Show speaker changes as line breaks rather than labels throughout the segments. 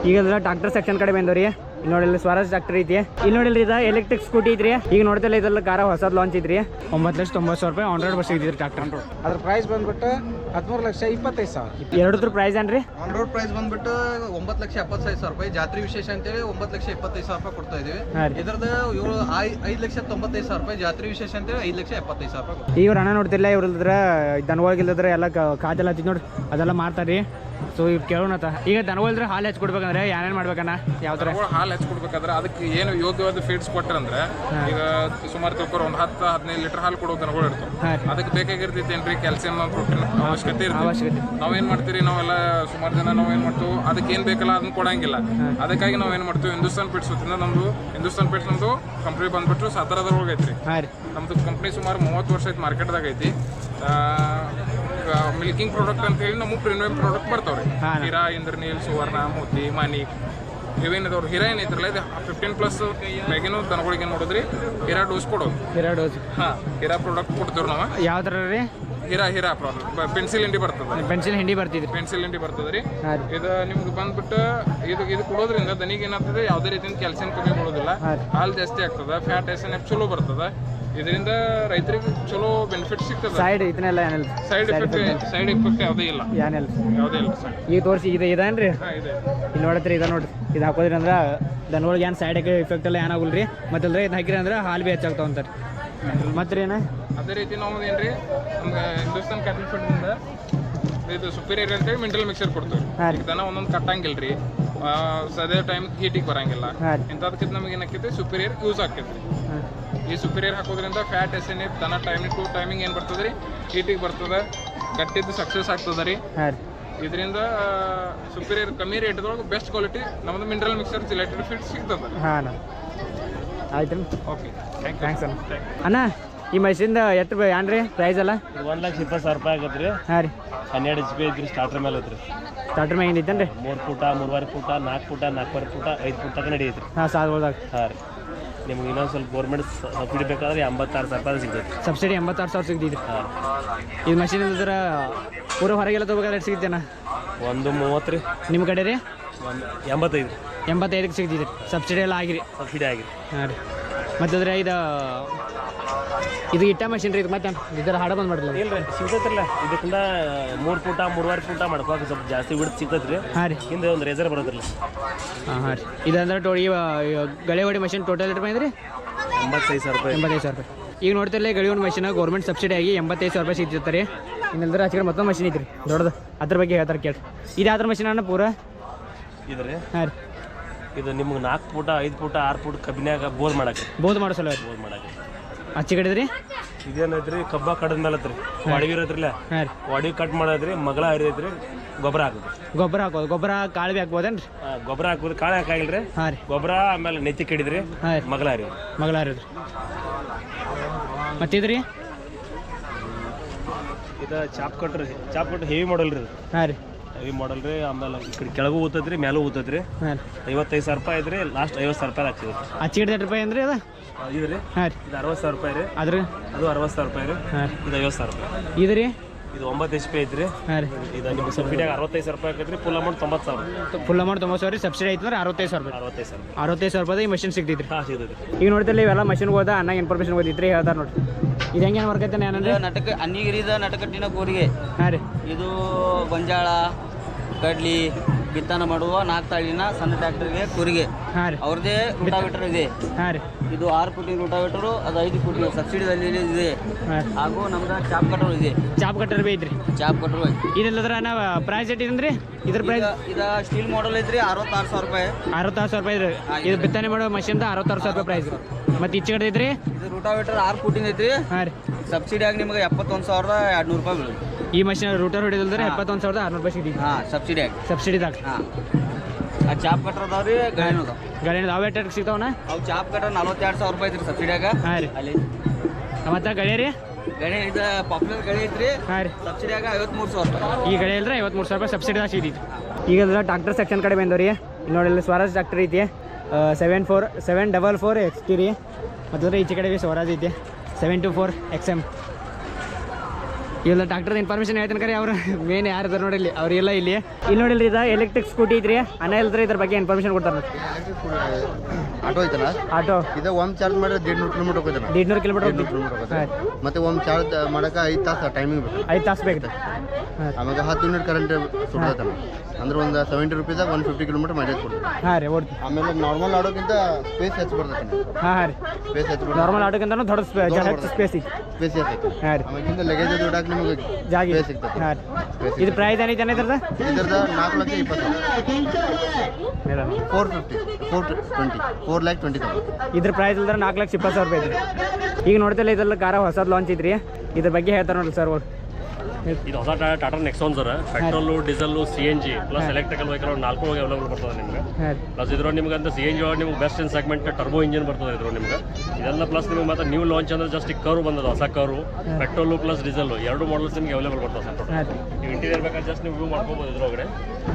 ಈಗ tractor section ಕಡೆ ಬಂದವ್ರಿ. ಇಲ್ಲಿ ನೋಡಿಲ್ಲ ಸ್ವರಾಜ್ ಟ್ರಾಕ್ಟರ್ ಐತಿ. ಇಲ್ಲಿ ನೋಡಿಲ್ರಿ ಇದು ಎಲೆಕ್ಟ್ರಿಕ್ ಸ್ಕೂಟಿ ಐತ್ರಿ. ಈಗ ನೋಡ್ತಿಲ್ಲ ಇದೆಲ್ಲ ಕಾರ ಹೊಸದ್ ಲಾಂಚ್ ಐತ್ರಿ. 9,90,000 ರೂಪಾಯಿ ಆನ್ ರೋಡ್ ಬಸ್ ಐತ್ರಿ ಟ್ರಾಕ್ಟರ್.
ಅದ್ರ ಪ್ರೈಸ್ ಬಂದ್ಬಿಟ್ಟು 13,25,000.
ಎರಡದ್ರ ಪ್ರೈಸ್ ಏನ್ರಿ?
ಆನ್ ರೋಡ್ ಪ್ರೈಸ್ ಬಂದ್ಬಿಟ್ಟು 9,75,000 ರೂಪಾಯಿ. ಜಾತ್ರೆ ವಿಶೇಷ ಅಂತೇಳಿ 9,25,000 ರೂಪಾಯಿ ಕೊಡ್ತಾ ಇದೀವಿ. ಇದ್ರದ್ದು ಇವರು 5,95,000 ರೂಪಾಯಿ. ಜಾತ್ರೆ ವಿಶೇಷ ಅಂತೇಳಿ 5,75,000 ರೂಪಾಯಿ.
ಈಗ ಅಣ್ಣ ನೋಡ್ತಿಲ್ಲ ಇವ್ರದ್ರ ದನಗಳಿಲ್ಲದ್ರೆ ಎಲ್ಲ ಕಾದೆಲ್ಲ ಹತ್ತಿದ್ ನೋಡಿ ಅದೆಲ್ಲ ಮಾಡ್ತಾರ್ರಿ. ಸೊ ಇವ್ರು ಕೇಳೋಣತ ಈಗ ದನಗಳಿದ್ರೆ ಹಾಲು ಹಚ್ಕೊಡ್ಬೇಕಂದ್ರೆ ಏನೇನು ಮಾಡ್ಬೇಕನ್ನ ಯಾವ ಥರ
ಹಾಲು ಹಚ್ಕೊಡ್ಬೇಕಾದ್ರೆ ಅದಕ್ಕೆ ಏನು ಯೋಗ್ಯವಾದ ಫೀಡ್ಸ್ ಕೊಟ್ಟರಂದ್ರೆ ಈಗ ಸುಮಾರು ತಿಳ್ಕೊರು ಒಂದು 10-15 ಲೀಟರ್ ಹಾಲು ಕೊಡೋ ದನಗಳು ಇರ್ತವೆ. ಅದಕ್ಕೆ ಬೇಕಾಗಿರ್ತೈತಿ ಏನ್ರಿ ಕ್ಯಾಲ್ಸಿಯಂ ಪ್ರೋಟೀನ್ ಅವಶ್ಯಕತೆ ಇರ್ತದೆ. ನಾವೇನ್ ಮಾಡ್ತೀವಿ ನಾವೆಲ್ಲ ಸುಮಾರು ಜನ ನಾವೇನ್ ಮಾಡ್ತೀವಿ ಅದಕ್ಕೆ ಏನ್ ಬೇಕಲ್ಲ ಅದನ್ನ ಕೊಡಂಗಿಲ್ಲ. ಅದಕ್ಕಾಗಿ ನಾವೇನ್ ಮಾಡ್ತೀವಿ ಹಿಂದೂಸ್ತಾನ್ ಪೇಟ್ಸ್ ವತಿಯಿಂದ ನಮ್ದು ಹಿಂದೂಸ್ತಾನ್ ಪೇಟ್ಸ್ ನಮ್ದು ಕಂಪ್ನಿ ಬಂದ್ಬಿಟ್ಟು ಸಾತಾರದೊಳಗೆ ಐತ್ರಿ. ನಮ್ದು ಕಂಪ್ನಿ ಸುಮಾರು 30 ವರ್ಷ ಐತಿ ಮಾರ್ಕೆಟ್ದಾಗ ಐತಿ. ಮಿಲ್ಕಿಂಗ್ ಪ್ರಾಡಕ್ಟ್ ಅಂತ ಹೇಳಿ ನಮಗೆ ಪ್ರೀಮಿಯಂ ಪ್ರಾಡಕ್ಟ್ ಬರ್ತಾವ್ರಿ. ಹೀರಾ, ಇಂದ್ರನೀಲ್, ಸುವರ್ಣ, ಮೋತಿ, ಮಾನಿಕ್ ಇವೇನಿದವ್ರು. ಹೀರಾ ಏನೈತ್ರಲ್ಲ ಇದು 15+ ಮ್ಯಾಗಿನೂ ದನಗಳಿಗೆ ನೋಡಿದ್ರಿ ಹೀರಾ ಡೋಸ್ ಕೊಡೋದು. ಹೀರಾ ಪ್ರಾಡಕ್ಟ್ ಕೊಡ್ತೀವಿ ನಾವು.
ಯಾವ ಥರ ರೀ?
ಹೀರಾ ಪ್ರಾಡಕ್ಟ್ ಪೆನ್ಸಿಲ್ ಹಿಂಡಿ ಬರ್ತದೆ.
ಪೆನ್ಸಿಲ್ ಹಿಂಡಿ
ಬರ್ತದೆ ರೀ. ಇದು ನಿಮ್ಗೆ ಬಂದ್ಬಿಟ್ಟು ಇದು ಕೊಡೋದ್ರಿಂದ ದನಿಗೆ ಏನಾಗ್ತದೆ ಯಾವುದೇ ರೀತಿಯಿಂದ ಕ್ಯಾಲ್ಸಿಯಂ ಕಮ್ಮಿ ಕೊಡೋದಿಲ್ಲ. ಹಾಲು ಜಾಸ್ತಿ ಆಗ್ತದೆ. ಫ್ಯಾಟ್ SNF ಚಲೋ ಬರ್ತದೆ. ಇದರಿಂದ ರೈತರಿಗೆ ಚಲೋ ಬೆನಿಫಿಟ್ ಸಿಗ್ತದೆ.
ಸೈಡ್ ಇದನ್ನೆಲ್ಲ ಏನಿಲ್ಲ,
ಸೈಡ್ ಎಫೆಕ್ಟ್ ಯಾವುದೇ ಇಲ್ಲ. ಯಾವುದೇ ಇಲ್ಲ ಸರ್.
ಈಗ ತೋರಿಸಿ ಇದೇನ್ರಿ? ಇಲ್ಲಿ ನೋಡತ್ರಿ ಇದು ನೋಡ್ರಿ. ಇದು ಹಾಕೋದ್ರಿ ಅಂದ್ರೆ ದನಗಳಿಗೆ ಏನು ಸೈಡ್ ಎಫೆಕ್ಟ್ ಎಲ್ಲ ಏನಾಗಲ್ಲ ರೀ. ಮತ್ತಲ್ರಿ ಇದು ಹಾಕಿರಿ ಅಂದ್ರೆ ಹಾಲು ಭೀ ಹೆಚ್ಚಾಗ್ತಾವ ಅಂತಾರೆ. ಮತ್ತೆ ರೀ
ಅದೇ ರೀತಿ ನಾವು ಏನ್ರಿ ನಮ್ಗೆ ಹಿಂದೂಸ್ತಾನ್ ಕ್ಯಾಟಲ್ ಫೀಡ್ನಿಂದ ಇದು ಸುಪೀರಿಯರ್ ಅಂತೇಳಿ ಮಿನರಲ್ ಮಿಕ್ಸರ್ ಕೊಡ್ತೀವಿ. ದನ ಒಂದೊಂದು ಕಟ್ಟಂಗಿಲ್ರಿ, ಸದೇ ಟೈಮ್ ಹೀಟಿಗೆ ಬರಂಗಿಲ್ಲ. ಇಂಥದಕ್ಕಿಂತ ನಮಗೆ ಏನಾಕೈತಿ ಸುಪೀರಿಯರ್ ಯೂಸ್ ಆಕೈತಿ. ಈ ಸುಪೀರಿಯರ್ ಹಾಕೋದ್ರಿಂದ ಫ್ಯಾಟ್ SNF ದನ ಟೈಮಿಂಗ್ ಏನು ಬರ್ತದೆ ರೀ ಹೀಟಿಗೆ ಬರ್ತದೆ. ಗಟ್ಟಿದ್ದು ಸಕ್ಸಸ್ ಆಗ್ತದೆ ರೀ. ಇದರಿಂದ ಸುಪೀರಿಯರ್ ಕಮ್ಮಿ ರೇಟ್ದೊಳಗೆ ಬೆಸ್ಟ್ ಕ್ವಾಲಿಟಿ ನಮ್ಮದು ಮಿನರಲ್ ಮಿಕ್ಸರ್ ಜಿಲೆಟೆಡ್ ಫೀಡ್ ಸಿಗ್ತದೆ.
ಆಯ್ತು.
ಓಕೆ,
ಥ್ಯಾಂಕ್ಸ್ ಅಣ್ಣ. ಈ ಮಷಿನ್ದ ಎಷ್ಟು ಏನ್ರಿ ಪ್ರೈಸ್ ಎಲ್ಲ?
1,20,000 ರೂಪಾಯಿ ಆಗತ್ತೆ ರೀ. 12 HP ಐತ್ರಿ. ಸ್ಟಾರ್ಟರ್ ಮೇಲೆ ಐತ್ರಿ.
ಸ್ಟಾರ್ಟರ್ ಮ್ಯಾಗ ಏನಿತ್ತೇನ್ರಿ?
3 ಫೂಟ, 3.5 ಫೂಟ, 4 ಫೂಟ, 4.5 ಫೂಟ, 5 ಫೂಟ ತನಕ ನಡೆಯೈತ್ರಿ.
ಸಾಲ್ಬೋದಾಗ.
ರೀ. ನಿಮ್ಗೆ ಇನ್ನೊಂದು ಸ್ವಲ್ಪ ಗೌರ್ಮೆಂಟ್ ಸಬ್ಸಿಡಿ ಬೇಕಾದ್ರೆ 86,000 ರೂಪಾಯಿ ಸಿಗ್ತೈತಿ.
ಸಬ್ಸಿಡಿ 86,000 ಸಿಗ್ತೈತಿ. ಇದು ಮಷಿನ್ ಇಲ್ದ್ರ ಪೂರ ಹೊರಗೆಲ್ಲ ತಗೋಬೇಕಾದ್ರೆ ಎಷ್ಟು ಸಿಗ್ತೇನ?
130 ರೀ.
ನಿಮ್ಮ ಕಡೆ ರೀ?
85.
85ಕ್ಕೆ ಸಿಗ್ತೈತಿ. ಸಬ್ಸಿಡಿ ಎಲ್ಲ ಆಗಿರಿ?
ಸಬ್ಸಿಡಿ ಆಗಿರಿ.
ರೀ. ಮತ್ತಂದ್ರೆ ಇದು ಇಟ್ಟ ಮಷಿನ್ ರೀ. ಇದು ಮತ್ತೆ ಇದರ ಹಾಡ ಬಂದು ಮಾಡಿಲ್ಲ?
ಇಲ್ಲ ರೀ, ಸಿಗ್ತೈತ್ರಲ್ಲ. ಇದಕ್ಕಿಂತ 3 ಫೂಟ 3.5 ಫೂಟ ಮಾಡ್ಕೋಕೆ ಸ್ವಲ್ಪ ಜಾಸ್ತಿ ಬಿಡ್ತು ಸಿಗ್ತೈತೆ ರೀ. ಹಿಂದೆ ಒಂದು ರೇಸರ್ ಬರೋದ್ರಲ್ಲ.
ರೀ. ಇದಂದ್ರೆ ಗಳೆ ಹೊಡಿ ಮಷಿನ್ ಟೋಟಲ್ ಎಷ್ಟು ಬಂದ್ರಿ?
85,000 ರೂಪಾಯಿ.
85,000 ರೂಪಾಯಿ. ಈಗ ನೋಡ್ತಿರಲ್ಲ ಗಳಿ ಹೊಡಿ ಮಷಿನ್ ಗೌರ್ಮೆಂಟ್ ಸಬ್ಸಿಡಿ ಆಗಿ 85,000 ರೂಪಾಯಿ ಸಿಗ್ತಿರ್ತಾರೆ. ಇನ್ನೆಲ್ಲದ್ರೆ ಆಚೆ ಮತ್ತೊಂದು ಮಷಿನ್ ಐತ್ರಿ ದೊಡ್ಡದು. ಅದ್ರ ಬಗ್ಗೆ ಹೇಳ್ತಾರೆ ಕೇಳಿ. ಇದು ಯಾವ್ದ್ರ ಮಷಿನ್ ಅಣ್ಣ ಪೂರ?
ಇದು ರೀ.
ರೀ.
ಇದು ನಿಮ್ಗೆ 4 ಫೂಟ 5 ಫೂಟ 6 ಫೂಟ್ ಕಬ್ಬಿನಾಗ ಬೋದ್ ಮಾಡಕ್ಕೆ
ಸಲ
ಬೋದ್ ಮಾಡಕ್ಕೆ
ಹಚ್ಚಿ ಕಡಿದ್ರಿ.
ಇದೇನೈತ್ರಿ ಕಬ್ಬ ಕಡದ ಮೇಲೆ ಐತ್ರಿ. ವಾಡಿಗೆ ಇರತ್ರಿಲ್ಲ, ವಾಡಿಗೆ ಕಟ್ ಮಾಡೋದ್ರಿ. ಮಗಳ ಹರಿದೈತ್ರಿ. ಗೊಬ್ಬರ ಹಾಕೋದು. ಗೊಬ್ಬರ ಕಾಳು ಭೀ ಹಾಕ್ಬೋದೇನ್ರಿ? ಗೊಬ್ಬರ ಹಾಕೋದು. ಕಾಳು ಹಾಕಾಗಿಲ್ರಿ. ಗೊಬ್ಬರ ಆಮೇಲೆ ನೆತ್ತಿ ಕಡಿದ್ರಿ. ಮಗಳ ಹರಿದ್ರಿ.
ಮತ್ತಿದ್ರಿ
ಇದು ಚಾಪ್ ಕಟ್ರಿ. ಚಾಪ್ ಕಟ್ ಹೆವಿ ಮಾಡಲ್ ರೀ.
ರೀ.
ಹೆವಿ ಮಾಡಲ್ ರೀ. ಆಮೇಲೆ ಈ ಕಡೆ ಕೆಳಗೂ ಊತದ್ರಿ, ಮೇಲೂ ಊತದ್ರಿ. 55,000 ರೂಪಾಯಿ ಐತ್ರಿ. ಲಾಸ್ಟ್ 50,000 ರೂಪಾಯಿ ಹಾಕ್ಸಿದ್ರಿ.
ಹಚ್ಚಿ ಹಿಡಿದ ರೂಪಾಯಿ ಅಂದ್ರೆ ಅದು
ಇದು ರೀ. ಇದು 60,000 ರೂಪಾಯಿ ರೀ. ಅದು 60,000 ರೂಪಾಯಿ ರೀ. ಇದು 50,000 ರೂಪಾಯಿ.
ಇದು ರೀ.
ಇದು 9 HP ಐತ್ರಿ. ಇದು ನಿಮ್ಗೆ ಸಬ್ಸಿಡಿಯಾಗ 65,000 ರೂಪಾಯಿ ಆಕೈತ್ರಿ. Full amount 90,000.
Full amount 90,000. Subsidy ಐತಂದ್ರೆ 65,000 ರೂಪಾಯಿ. 65,000 ರೂಪಾಯಿ ಈ ಮಷಿನ್ ಸಿಗ್ತೈತ್ರಿ.
ಸಿಗ್ತೈತಿ.
ಈಗ ನೋಡ್ತಿಲ್ಲ ಇವೆಲ್ಲ ಮಷಿನ್ ಹೋದ ಅನ್ನ ಇನ್ಫಾರ್ಮೇಶನ್ ಓದಿದ್ರಿ ಹೇಳ್ತಾರೆ ನೋಡ್ರಿ. ಇದು ಹೆಂಗೇನು ವರ್ಕ್ ಐತೆ ಏನಂದ್ರೆ
ಅನ್ನಿಗಿರಿದ ನಟಕಟ್ಟಿನ ಕೂರಿಗೆ.
ರೀ.
ಇದು ಗೊಂಜಾಳ ಕಡ್ಲಿ ಬಿತ್ತನೆ ಮಾಡುವ 4 ತಾಳಿನ ಸಣ್ಣ ಟ್ರ್ಯಾಕ್ಟರ್ಗೆ ಕೂರಿಗೆ. ಅವ್ರದ್ದೇ ರೂಟಾವೇಟರ್ ಇದೆ.
ರೀ.
ಇದು 6 ಫುಟಿನ ರೂಟಾವೇಟರು, ಅದು 5 ಫುಟಿನ ಸಬ್ಸಿಡಿದಲ್ಲಿ ಇದೆ. ಹಾಗೂ ನಮ್ದು ಚಾಪ್ ಕಟರ್ ಇದೆ.
ಚಾಪ್ ಕಟರ್ ಬಿ ಐತ್ರಿ.
ಚಾಪ್ ಕಟರ್
ಇದೆಲ್ಲದ್ರ ನಾವು ಪ್ರೈಸ್ ಇಟ್ಟಿದ್ರಿ. ಇದ್ರ ಪ್ರೈಸ್
ಇದು ಸ್ಟೀಲ್ ಮಾಡಲ್ ಐತ್ರಿ. 66,000 ರೂಪಾಯಿ.
66,000 ರೂಪಾಯಿ ಇದ್ರಿ. ಇದು ಬಿತ್ತನೆ ಮಾಡೋ ಮಷಿನ್ 66,000 ರೂಪಾಯಿ ಪ್ರೈಸ್. ಮತ್ತೆ ಈಚೆ ಕಡೆ ಐತ್ರಿ.
ಇದು ರೂಟಾವೇಟರ್ 6 ಫುಟಿನ ಐತ್ರಿ.
ರೀ.
ಸಬ್ಸಿಡಿಯಾಗಿ ನಿಮಗೆ 71,200 ರೂಪಾಯಿ ಬೀಳುತ್ತೆ.
ಈ ಮಷಿನ್ ರೂಟರ್ ಹೊಡಿದ್ರೆ 71,600 ರೂಪಾಯಿ ಸಿಗ್ತೈತಿ. ಸಬ್ಸಿಡಿದಾಗ.
ಆ ಚಾಪ್ ಕಟ್ರ್ ಅದಾವ್ರಿ.
ಗಾಡಿ ಅವು ಎಷ್ಟು ಸಿಗ್ತಾವಣ್ಣ?
ಅವು ಚಾಪ್ ಕಟ್ರ್ 42,000 ರೂಪಾಯಿ ಐತ್ರಿ ಸಬ್ಸಿಡಿಯಾಗ.
ರೀ.
ಅಲ್ಲಿ
ಮತ್ತೆ ಗಳೆ ರೀ.
ಗಣೆ ಇದು ಪಾಪ್ಯುಲರ್ ಗಣೆ ಐತ್ರಿ.
ರೀ.
ಸಬ್ಸಿಡಿಯಾಗ 53,000 ರೂಪಾಯಿ.
ಈ ಗಳೆ ಇಲ್ಲದ್ರೆ 53,000 ರೂಪಾಯಿ ಸಬ್ಸಿಡಿದಾಗ ಸಿಗ್ತೈತಿ. ಈಗ ಟ್ರಾಕ್ಟರ್ ಸೆಕ್ಷನ್ ಕಡೆ ಬಂದವ್ರಿ. ಇಲ್ಲಿ ನೋಡಿ ಸ್ವರಾಜ್ ಟ್ರಾಕ್ಟರ್ ಐತಿ. 744 XT ರೀ. ಮತ್ತು ಈಚೆ ಕಡೆ ಸ್ವರಾಜ್ ಐತಿ 724 XM. ಇಲ್ಲ ಡಾಕ್ಟರ್ ಇನ್ಫಾರ್ಮೇಶನ್ ಹೇಳ್ತೀನಿ ಕರೆ ಅವ್ರು ಮೇನ್ ಯಾರು ಇದಾರೆ ನೋಡಿಲ್ಲಿ ಅವ್ರಿಲ್ಲ ಇಲ್ಲಿ ನೋಡಿಲ್ರಿ ಇದು ಎಲೆಕ್ಟ್ರಿಕ್ ಸ್ಕೂಟಿ ಐತ್ರಿ ಅನ್ನ ಇಲ್ದ್ರಿ ಇದ್ರ ಬಗ್ಗೆ ಇನ್ಫಾರ್ಮೇಶನ್ ಕೊಡ್ತಾರೆ
ಆಟೋ ಐತಲ್ಲ
ಆಟೋ
ಇದು ಒಮ್ಮೆ ಚಾರ್ಜ್ ಮಾಡಿದ್ರೆ 150 ಕಿಲೋಮೀಟರ್ ಹೋಗ್ತದೆ
150 ಕಿಲೋಮೀಟರ್
ಮತ್ತೆ ಒಮ್ಮೆ ಚಾರ್ಜ್ ಮಾಡಕ್ಕೆ 5 ತಾಸು ಟೈಮಿಂಗ್ ಬೇಕು
5 ತಾಸು ಬೇಕು
ಆಮೇಲೆ 10 ಮಿನಿಟ್ ಕರೆಂಟ್ ಸುಡ್ತಾನೆ ಅಂದ್ರೆ ಒಂದು 70 ರೂಪೀದಾಗ 150 ಕಿಲೋಮೀಟರ್ ಮೈಲೇಜ್ ಕೊಡ್ತದೆ.
ಹಾಂ ರೀ ಓಡ್ತಿ
ಆಮೇಲೆ ನಾರ್ಮಲ್ ಆಡೋಕ್ಕಿಂತ ಸ್ಪೇಸ್ ಹೆಚ್ಚು ಬರ್ತೈತೆ.
ಹಾಂ ರೀ
ಸ್ಪೇಸ್ ಹೆಚ್ಚು ಬರ್ತದೆ.
ನಾರ್ಮಲ್ ಆಟೋಕ್ಕಿಂತ ದೊಡ್ಡ ಹೆಚ್ಚು ಸ್ಪೇಸ್ ಐತಿ
ಸ್ಪೇಸ್ ಹೆಚ್ಚೈತೆ.
ಹಾಂ ರೀ
ಆಮೇಲೆ ಲಗೇಜ್ ಇಡಕ್ಕೆ ನಿಮಗೆ
ಜಾಗ
ಸ್ಪೇಸ್ ಸಿಗ್ತದೆ.
ಹಾಂ ರೀ ಇದು ಪ್ರೈಸ್ ಏನೈತೆ ಇದ್ರದ
ಇದ್ರದ 4,20,000 4,20,000
ಇದ್ರ ಪ್ರೈಸ್ ಇಲ್ದ್ರೆ 4,20,000 ರೂಪಾಯಿ ಐತ್ರಿ. ಈಗ ನೋಡ್ತಿಲ್ಲ ಇದ್ರಲ್ಲಿ ಕಾರ ಹೊಸದು ಲಾಂಚ್ ಐತ್ರಿ ಇದ್ರ ಬಗ್ಗೆ ಹೇಳ್ತಾರೆ ನೋಡ್ರಿ ಸರ್ ಅವ್ರು.
ಇದು ಹೊಸ Tata Nexon sir petrol diesel CNG plus electrical vehicle 4 available ಬರ್ತದೆ ನಿಮಗೆ. ಪ್ಲಸ್ ಇದ್ರ ನಿಮ್ಗೆ ಅಂತ CNG ಒಳಗೆ ನಿಮ್ಗೆ best in segment turbo engine ಬರ್ತದೆ ಇದ್ರು ನಿಮ್ಗೆ. ಇದೆಲ್ಲ ಪ್ಲಸ್ ನಿಮಗೆ ಮತ್ತೆ ನ್ಯೂ ಲಾಂಚ್ ಅಂದ್ರೆ ಜಸ್ಟ್ ಕರು ಬಂದದ ಹೊಸ car petrol plus diesel 2 models ನಿಮ್ಗೆ ಅವೈಲೇಬಲ್ ಬರ್ತದೆ ಸರ್. ನೀವು ಇಂಟೀರಿಯರ್ ಬೇಕಾದ್ರೆ ಜಸ್ಟ್ ನೀವು ವ್ಯೂ ಮಾಡ್ಕೋಬೋದು ಇದ್ರೊಳಗಡೆ.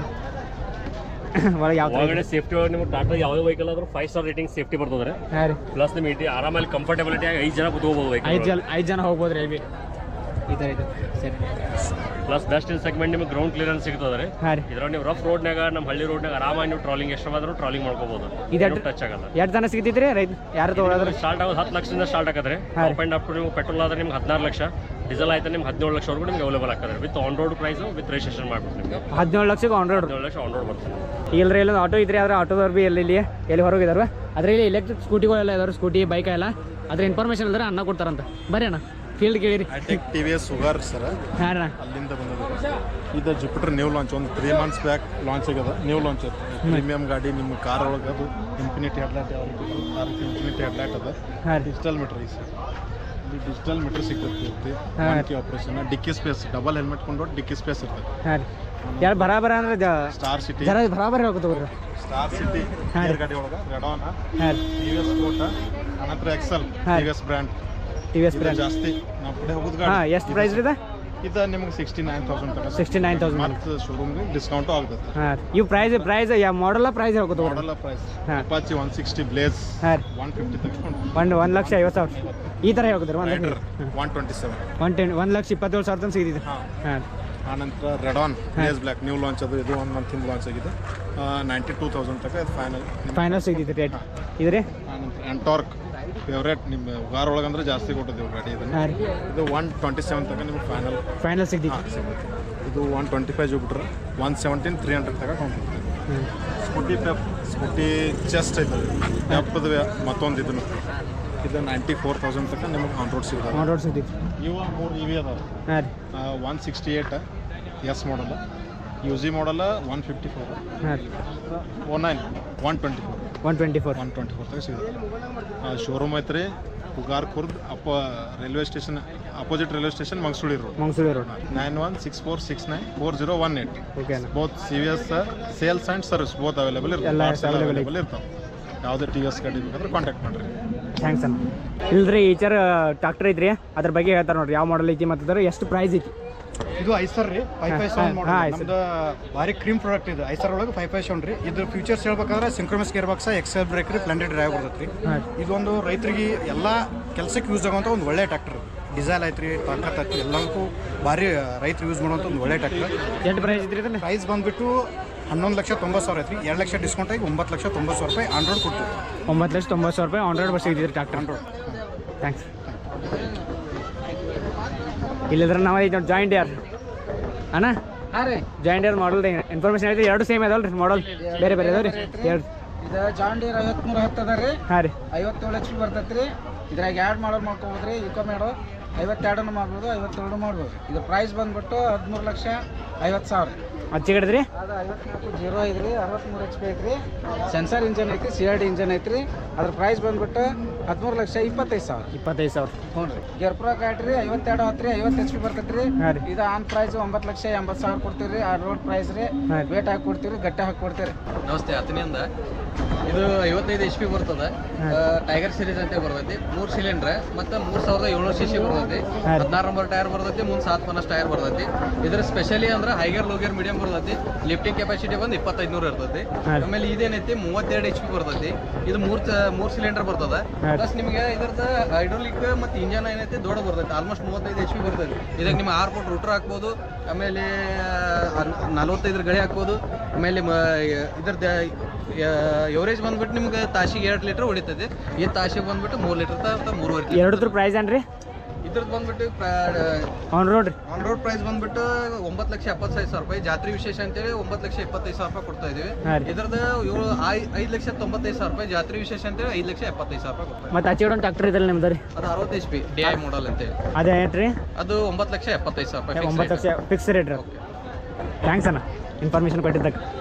ಒಳಗಡೆ ಸೇಫ್ಟಿ ಒಳಗೆ ನಿಮ್ಗೆ ಟಾಟಾ ಯಾವುದೇ ವೆಹಿಕಲ್ ಆದ್ರೂ 5 ಸ್ಟಾರ್ ರೇಟಿಂಗ್ ಸೇಫ್ಟಿ ಬರ್ತದೆ. ಪ್ಲಸ್ ನಿಮ್ಗೆ ಆರಾಮಲ್ಲಿ ಕಂಫರ್ಟಬಿಲಿಟಿ ಆಗಿ 5 ಜನ ಕೂತ್ಕೋಬೋದು ವೆಹಿಕಲ್.
5 ಜನ ಹೋಗ್ಬೋದ್ರಿ ಅಲ್ಲಿ ಈ ಥರ ಇದೆ ಸರಿ.
ಪ್ಲಸ್ ಬೆಸ್ಟ್ ಇನ್ ಸೆಗ್ಮೆಂಟ್ ನಿಮಗೆ ಗ್ರೌಂಡ್ ಕ್ಲಿಯರೆನ್ಸ್ ಸಿಗ್ತದೆ. ಇದ್ರಾಗ ನೀವು ರಫ್ ರೋಡ್ನಾಗ ನಮ್ಮ ಹಳ್ಳಿ ರೋಡ್ನಾಗ ಆರಾಮಾಗಿ ನೀವು ಟ್ರಾಲಿಂಗ್ ಎಷ್ಟು ಆದ್ರೂ ಟ್ರಾಲಿಂಗ್ ಮಾಡ್ಕೋಬಹುದು. ಇದು ಟಚ್ ಆಗಲ್ಲ.
ಎಷ್ಟು ಜನ ಸಿಗ್ತೈತ್ರಿ ರೈತ ಯಾರು ತಗೊಳ್ಳೋದ್ರೆ
ಸ್ಟಾರ್ಟ್ ಆಗೋದು 10 ಲಕ್ಷದಿಂದ ಸ್ಟಾರ್ಟ್ ಆಗತ್ತೆ. ಅಪ್ ಆ್ಯಂಡ್ ಅಪ್ ಟು ನೀವು ಪೆಟ್ರೋಲ್ ಆದ್ರೆ ನಿಮ್ಗೆ 16 ಲಕ್ಷ, ಡೀಸೆಲ್ ಆಯ್ತು ನಿಮ್ಗೆ 17 ಲಕ್ಷವರೆಗೂ ನಿಮ್ಗೆ ಅವೈಲೇಬಲ್ ಆಗ್ತದೆ with on road price with registration ಮಾಡ್ಬಿಟ್ಟು ನಿಮಗೆ
17 ಲಕ್ಷಕ್ಕೆ ಆನ್ ರೋಡ್
17 ಲಕ್ಷ ಆನ್ ರೋಡ್ ಬರ್ತದೆ.
ಇಲ್ಲರಿ ಇಲ್ಲೊಂದು ಆಟೋ ಇದ್ರಿ ಆದ್ರೆ ಆಟೋದವ್ರು ಭೀ ಎಲ್ಲಿ ಹೊರಗಿದಾರೆ ಅದರಲ್ಲಿ ಎಲೆಕ್ಟ್ರಿಕ್ ಸ್ಕೂಟಿಗಳೆಲ್ಲ ಇದಾವೆ ಸ್ಕೂಟಿ ಬೈಕ್ ಎಲ್ಲ ಅದ್ರ ಇನ್ಫಾರ್ಮೇಷನ್ ಇಲ್ಲದ್ರೆ ಅನ್ನ ಕೊಡ್ತಾರಂತ ಬರ್ರಿ ಅಣ್ಣ ಫೀಲ್ಡ್ ಕೇಳಿರಿ.
TVS ಸುಗಾರ್ ಸರ್
ಹಾಂ ಅಣ್ಣ
ಅಲ್ಲಿಂದ ಬಂದಿದೆ. ಇದು ಜುಪಿಟರ್ ನ್ಯೂ ಲಾಂಚ್ ಒಂದು 3 ಮಂತ್ಸ್ ಬ್ಯಾಕ್ ಲಾಂಚ್ ಆಗ್ಯದ. ನ್ಯೂ ಲಾಂಚ್ ಅದು ಪ್ರೀಮಿಯಂ ಗಾಡಿ ನಿಮ್ಮ ಕಾರ್ ಒಳಗೆ ಅದು ಇನ್ಫಿನಿಟಿ ಹೆಡ್ಲೈಟ್ ಇನ್ಫಿನಿಟಿ ಹೆಡ್ಲೈಟ್ ಅದ ಡಿಜಿಟಲ್ ಮೀಟರ್ ಈ ಸರ್ ಇಲ್ಲಿ ಡಿಜಿಟಲ್ ಮೀಟರ್ ಸಿಗ್ತದೆ. Operation dicky space double helmet ಕೊಂಡು ಡಿಕ್ಕಿ ಸ್ಪೇಸ್ ಇರ್ತದೆ.
ಹಾಂ ರೀ ಯಾರು ಬರಾಬರ ಅಂದ್ರೆ
ಸ್ಟಾರ್ ಸಿಟಿ
ಜರ ಬರಾಬರಿ ಹೋಗ್ತವ್ರಿ
ಸ್ಟಾರ್ ಸಿಟಿ ಗಾಡಿ ಒಳಗೆ ರೆಡಾನ್
ಹಾಂ
TVS ಕೋಟ ಅನಂತರ ಎಕ್ಸೆಲ್ TVS ಬ್ರ್ಯಾಂಡ್
ಬ್ರ್ಯಾಂಡ್
ಜಾಸ್ತಿ ನಮ್ಮ ಕಡೆ ಹೋಗೋದು
ಹಾಂ
ಗಾಡಿ.
ಎಷ್ಟು ಪ್ರೈಸ್ ಇದೆ
ಇದು ನಿಮಗೆ 69,000 ತನಕ
69,000
ಮತ್ತು ಶೋರೂಮ್ಗೆ ಡಿಸ್ಕೌಂಟು ಆಗ್ತದೆ.
ಹಾಂ ಇವು ಪ್ರೈಸ್ ಯಾವ ಮಾಡಲ್ಲ ಪ್ರೈಸ್ ಹೇಳ್ಕೊತ
ಮಾಡಲ್ಲ ಪ್ರೈಸ್
ಹಾಂ
ಅಪಾಚಿ 160 ಬ್ಲೇಸ್
ಹಾಂ
150 ತಗೊಂಡು
1,50,000 ಈ ಥರ ಹೇಳ್ಕೊತಾರೆ
127
1,27,000 ತನಕ ಸಿಗ್ತಿದೆ. ಹಾಂ
ಆನಂತರ Radeon blaze black new launch ಅದು ಇದು 1 ಮಂತ್ ಲಾಂಚ್ ಆಗಿದೆ 92,000 ತನಕ ಇದು
ಫೈನಲ್ ಸಿಗ್ತಿದೆ ರೇಟ್ ಇದು ರೀ.
ಆನಂತರ ಎಂಟಾರ್ಕ್ ಫೇವ್ರೇಟ್ ನಿಮ್ಮ ಕಾರ್ ಒಳಗಂದ್ರೆ ಜಾಸ್ತಿ ಕೊಟ್ಟಿದ್ದೀವಿ ಗಾಡಿ ಇದನ್ನು.
ಹಾಂ ರೀ
ಇದು 127 ತನಕ ನಿಮಗೆ
ಫೈನಲ್ ಸಿಗ್ತಿದೆ.
ಇದು 125 ಜುಪಿಟರ್ 117 300 ತನಕ ಕೊಂಡ್ಬಿಡ್ತೀವಿ. ಸ್ಕೂಟಿ ಚೆಸ್ಟ್ ಐತೆ ಎಪ್ಪದು ಮತ್ತೊಂದು ಇದನ್ನು ಇದು 94,000 ತನಕ ನಿಮಗೆ ಆನ್ ರೋಡ್ ಸಿಗ್ತದೆ.
ಆನ್ ರೋಡ್ ಸಿಗ್ತೈತಿ.
ಇವು 3 EV ಅದಾವೆ.
ಹಾಂ ರೀ
168 ಎಸ್ ಮಾಡಲ್ಲ UG ಮಾಡಲ್ಲ 154
ಹಾಂ ರೀ
09 124 ತನಕ ಸಿಗುತ್ತೆ. ಶೋರೂಮ್ ಐತ್ರಿ Pugar Khurd railway station opposite railway station Mangasuli road 9164694018.
Okay
both CVS sales and service both available ಇರ್ತಾವೆ. ಯಾವುದೇ TVS ಗಾಡಿ ಬೇಕಾದ್ರೆ ಕಾಂಟ್ಯಾಕ್ಟ್ ಮಾಡಿರಿ.
ಥ್ಯಾಂಕ್ಸ್ ಅಣ್ಣ. ಇಲ್ರಿ ಈಚರ್ ಟ್ರಾಕ್ಟರ್ ಐತ್ರಿ ಅದ್ರ ಬಗ್ಗೆ ಹೇಳ್ತಾರೆ ನೋಡ್ರಿ ಯಾವ ಮಾಡಲ್ ಐತಿ ಮತ್ತು ಎಷ್ಟು ಪ್ರೈಸ್ ಐತಿ.
ಇದು ಐಸರ್ ರೀ 557 ಮಾಡಲ್ ನಮ್ದು ಭಾರಿ ಕ್ರೀಮ್ ಪ್ರಾಡಕ್ಟ್ ಇದು ಐಸರ್ ಒಳಗೆ 557 ರೀ. ಇದ್ರ ಫ್ಯೂಚರ್ಸ್ ಹೇಳ್ಬೇಕಾದ್ರೆ synchronous gear box axle brake ರೀ ಫ್ಲಂಡೆಡ್ ಡ್ರೈವ್ ಬರ್ತೈತೆ ರೀ. ಇದೊಂದು ರೈತರಿಗೆ ಎಲ್ಲ ಕೆಲಸಕ್ಕೆ ಯೂಸ್ ಆಗುವಂಥ ಒಂದು ಒಳ್ಳೆ ಟ್ರ್ಯಾಕ್ಟರ್. ಡೀಸೆಲ್ ಐತ್ರಿ ತಾಕತ್ ಐತಿ ಎಲ್ಲದಕ್ಕೂ ಭಾರಿ ರೈತರು ಯೂಸ್ ಮಾಡುವಂಥ ಒಂದು ಒಳ್ಳೆ ಟ್ರ್ಯಾಕ್ಟರ್.
ಎಷ್ಟು ಪ್ರೈಸ್ ಐತ್ರಿ ಇದನ್ನ
ಪ್ರೈಸ್ ಬಂದುಬಿಟ್ಟು 11,90,000 ಐತ್ರಿ. 2 ಲಕ್ಷ ಡಿಸ್ಕೌಂಟ್ ಆಗಿ 9,90,000 ರೂಪಾಯಿ ಆನ್ ರೋಡ್ ಕೊಡ್ತೀವಿ.
9,90,000 ರೂಪಾಯಿ ಆನ್ ರೋಡ್ ಬಸ್ ಸಿಗ್ತಿದ್ರಿ ಟ್ರಾಕ್ಟರ್.
On road
thanks. ಇಲ್ಲಿದ್ರೆ ನಾವು ಐತೆ ನೋಡಿ ಜಾಯಿಂಟ್ ಯಾರ್ ಅಣ್ಣ.
ಹಾಂ ರೀ
ಜಾಯಿಂಟ್ ಯಾರ್ ಮಾಡಲ್ ಇನ್ಫಾರ್ಮೇಷನ್ ಐತಿ. ಎರಡು ಸೇಮ್ ಅದಾವಲ್ಲ ರೀ ಮಾಡಲ್ ಬೇರೆ ಬೇರೆ ಅದಾವ ರೀ ಎರಡು.
ಇದು ಜಾನ್ ಡೀರ್ 5310 ಅದ ರೀ.
ಹಾಂ ರೀ
57 HP ಬರ್ತೈತೆ ರೀ. ಇದ್ರಾಗ ಎರಡು ಮಾಡಲ್ ಮಾಡ್ಕೊಬೋದು ರೀ. ಇಕೋ ಮೇಡೋ 52 ಮಾಡ್ಬೋದು 52 ಮಾಡ್ಬೋದು. ಇದು ಪ್ರೈಸ್ ಬಂದ್ಬಿಟ್ಟು 13,50,000.
ಹಚ್ಚಿ ಕಡಿದ್ರಿ
ಅದು 54 ಐತ್ರಿ 63 HP ಐತ್ರಿ. ಸೆನ್ಸರ್ ಇಂಜನ್ ಐತ್ರಿ CRD ಇಂಜನ್ ಐತ್ರಿ. ಅದ್ರ ಪ್ರೈಸ್ ಬಂದ್ಬಿಟ್ಟು 13,25,000.
25,000.
ಹ್ಞೂ ರೀ ಗೆರ್ ಪ್ರೋ ಗಾಡಿ ರೀ 52 10 ರೀ 50 HP ಬರ್ತೈತೆ ರೀ.
ಹಾಂ ರೀ
ಇದು ಆನ್ ಪ್ರೈಸ್ 9,80,000 ಕೊಡ್ತೀವಿ ರೀ. ಆ ರೋಡ್ ಪ್ರೈಸ್ ರೀ. ವೇಟ್ ಹಾಕಿ ಕೊಡ್ತೀವಿ ರೀ ಗಟ್ಟೆ ಹಾಕಿ ಕೊಡ್ತೀವಿ.
ನಮಸ್ತೆ ಹತ್ತನಿಂದ ಇದು 55 HP ಬರ್ತದೆ. ಟೈಗರ್ ಸೀರೀಸ್ ಅಂತ ಬರ್ತೈತಿ. 3 ಸಿಲಿಂಡ್ರ್ ಮತ್ತು 3,700 cc ಬರ್ತೈತಿ. 16 ನಂಬರ್ ಟೈರ್ ಬರ್ತೈತಿ. ಮುಂದೆ 7 ಟೈರ್ ಬರ್ತೈತಿ. ಇದ್ರ ಸ್ಪೆಷಲಿ ಅಂದ್ರೆ ಹೈಗರ್ ಲೋಗರ್ ಮೀಡಿಯಂ ಬರ್ತೈತಿ. ಲಿಫ್ಟಿಂಗ್ ಕೆಪಾಸಿಟಿ ಬಂದು 2500 ಇರ್ತೈತಿ. ಆಮೇಲೆ ಇದೇನೈತಿ 32 HP ಬರ್ತೈತಿ. ಇದು 3 ಸಿಲಿಂಡರ್ ಬರ್ತದೆ. ಪ್ಲಸ್ ನಿಮಗೆ ಇದ್ರದ್ದು ಹೈಡ್ರೋಲಿಕ್ ಮತ್ತು ಇಂಜನ್ ಏನೈತೆ ದೊಡ್ಡ ಬರ್ತೈತೆ ಆಲ್ಮೋಸ್ಟ್ 35 HP ಬರ್ತೈತೆ. ಇದಕ್ಕೆ ನಿಮ್ಮ 6 ಫುಟ್ ರೂಟರ್ ಹಾಕ್ಬೋದು, ಆಮೇಲೆ 45 ಗಳಿ ಹಾಕ್ಬೋದು. ಆಮೇಲೆ ಇದ್ರದ್ದು ಎವರೇಜ್ ಬಂದ್ಬಿಟ್ಟು ನಿಮ್ಗೆ ತಾಸಿಗೆ 2 ಲೀಟ್ರ್ ಹೊಡಿತೈತೆ. ಈ ತಾಸಿಗೆ ಬಂದ್ಬಿಟ್ಟು 3 ಲೀಟ್ರ್ 3.5 ಲೀಟ್ರ್.
ಎರಡದ್ರ ಪ್ರೈಸ್ ಏನ್ರಿ
ಇದ್ರದ್ದು ಬಂದ್ಬಿಟ್ಟು
on road
on road price ಬಂದ್ಬಿಟ್ಟು 9,75,000 ರೂಪಾಯಿ. ಜಾತ್ರೆ ವಿಶೇಷ ಅಂತೇಳಿ 9,25,000 ರೂಪಾಯಿ ಕೊಡ್ತಾ ಇದೀವಿ. ಇದ್ರದ್ದು 5,95,000 ರೂಪಾಯಿ. ಜಾತ್ರೆ ವಿಶೇಷ ಅಂತೇಳಿ 5,75,000 ರೂಪಾಯಿ ಕೊಡ್ತಾ.
ಮತ್ತೆ ಆಚೆ ಒಂದು ಟ್ರ್ಯಾಕ್ಟರ್ ಇದಲ್ಲ ನಿಮ್ದು ರೀ,
ಅದು 60 HP DI ಮಾಡಲ್ ಅಂತೇಳಿ.
ಅದೇ ಏನ್ರಿ
ಅದು 9,75,000 ರೂಪಾಯಿ.
9 ಲಕ್ಷ ಫಿಕ್ಸ್ ರೇಟ್ ರೀ. ಥ್ಯಾಂಕ್ಸ್ ಅಣ್ಣ ಇನ್ಫಾರ್ಮೇಷನ್ ಕೊಟ್ಟಿದ್ದಕ್ಕೆ.